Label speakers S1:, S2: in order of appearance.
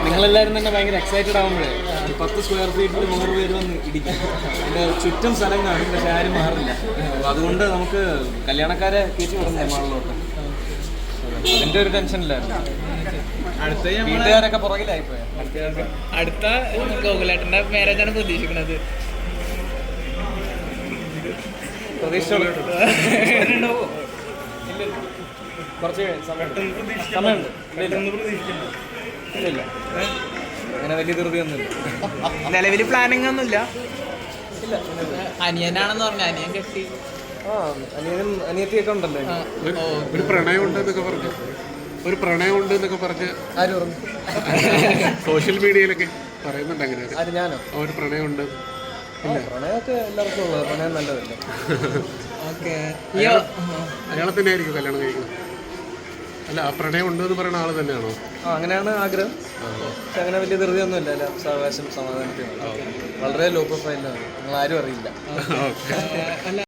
S1: നിങ്ങളെല്ലാവരും തന്നെ ഭയങ്കര എക്സൈറ്റഡ് ആകുമ്പോഴേ 10 സ്ക്വയർ ഫീറ്റിൽ 100 പേര് വന്ന് ഇടിക്കും. അതിൻ്റെ ചുറ്റും സ്ഥലം കാണും, പക്ഷെ ആരും മാറില്ല. അപ്പോൾ അതുകൊണ്ട് നമുക്ക് കല്യാണക്കാരെ കയറ്റി വിടണ്ടേ മാളിലോട്ട്. അതിൻ്റെ ഒരു ടെൻഷനില്ലായിരുന്നു. അടുത്ത വീട്ടുകാരൊക്കെ പുറകിലായിപ്പോയ.
S2: അടുത്ത ഗോകുലേട്ടൻ്റെ മാരേജാണ് പ്രതീക്ഷിക്കുന്നത്.
S1: കുറച്ച് സമയമുണ്ട്. ഇല്ല അങ്ങനെ വലിയ ധൃതിയൊന്നുമില്ല.
S2: നിലവിൽ പ്ലാനിങ് ഒന്നുമില്ല.
S1: ഇല്ല,
S2: അനിയനാണെന്ന് പറഞ്ഞു. അനിയൻ കെട്ടി.
S1: അനിയനും അനിയത്തിയൊക്കെ ഉണ്ടല്ലോ.
S3: ഒരു പ്രണയം ഉണ്ട് എന്നൊക്കെ പറഞ്ഞ്
S1: ആര് പറഞ്ഞു?
S3: സോഷ്യൽ മീഡിയയിലൊക്കെ പറയുന്നുണ്ട്. അങ്ങനെ
S1: ആര്? ഞാനോ?
S3: ഒരു പ്രണയമുണ്ട്.
S1: പ്രണയമൊക്കെ എല്ലാവർക്കും ഉള്ളത്. പ്രണയം നല്ലതല്ല.
S3: അയാളെ തന്നെ ആയിരിക്കും കല്യാണം കഴിക്കുന്നത്. അല്ല, ആ പ്രണയം ഉണ്ട് എന്ന് പറയുന്ന ആള് തന്നെയാണോ?
S1: അങ്ങനെയാണ് ആഗ്രഹം. പക്ഷെ അങ്ങനെ വലിയ ധൃതിയൊന്നുമില്ല. എല്ലാം സാവകാശം സമാധാനത്തിനും വളരെ ലോ പ്രൊഫൈലാണ്. നിങ്ങൾ ആരും അറിയില്ല.